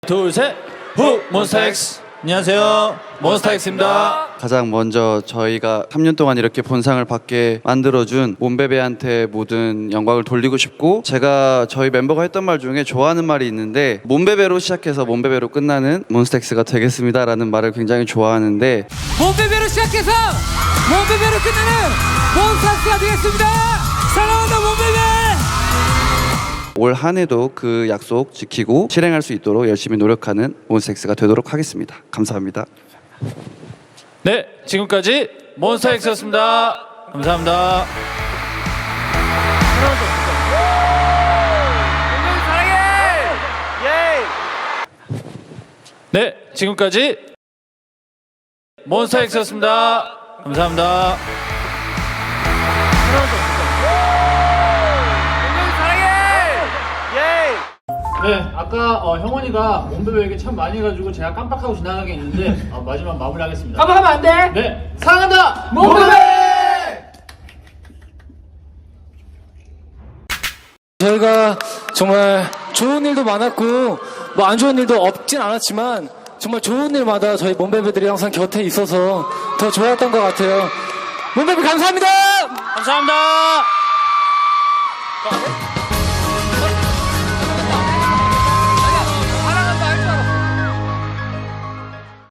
둘, 셋, 후! 몬스타엑스! 안녕하세요, 몬스타엑스입니다. 가장 먼저 저희가 3년 동안 이렇게 본상을 받게 만들어준 몬베베한테 모든 영광을 돌리고 싶고, 제가 저희 멤버가 했던 말 중에 좋아하는 말이 있는데, 몬베베로 시작해서 몬베베로 끝나는 몬스타엑스가 되겠습니다 라는 말을 굉장히 좋아하는데, 몬베베로 시작해서 몬베베로 끝나는 몬스타엑스가 되겠습니다. 사랑한다 몬베베. 올 한 해도 그 약속 지키고 실행할 수 있도록 열심히 노력하는 몬스타엑스가 되도록 하겠습니다. 감사합니다. 네, 지금까지 몬스타엑스였습니다. 감사합니다. 네, 지금까지 몬스타엑스였습니다. 감사합니다. 네, 아까 형원이가 몬베베 얘기 참 많이 해가지고 제가 깜빡하고 지나간 게 있는데 마지막 마무리하겠습니다. 깜빡하면 안 돼. 네, 사랑한다 몬베베. 저희가 정말 좋은 일도 많았고 뭐 안 좋은 일도 없진 않았지만 정말 좋은 일마다 저희 몬베베들이 항상 곁에 있어서 더 좋았던 것 같아요. 몬베베 감사합니다. 감사합니다.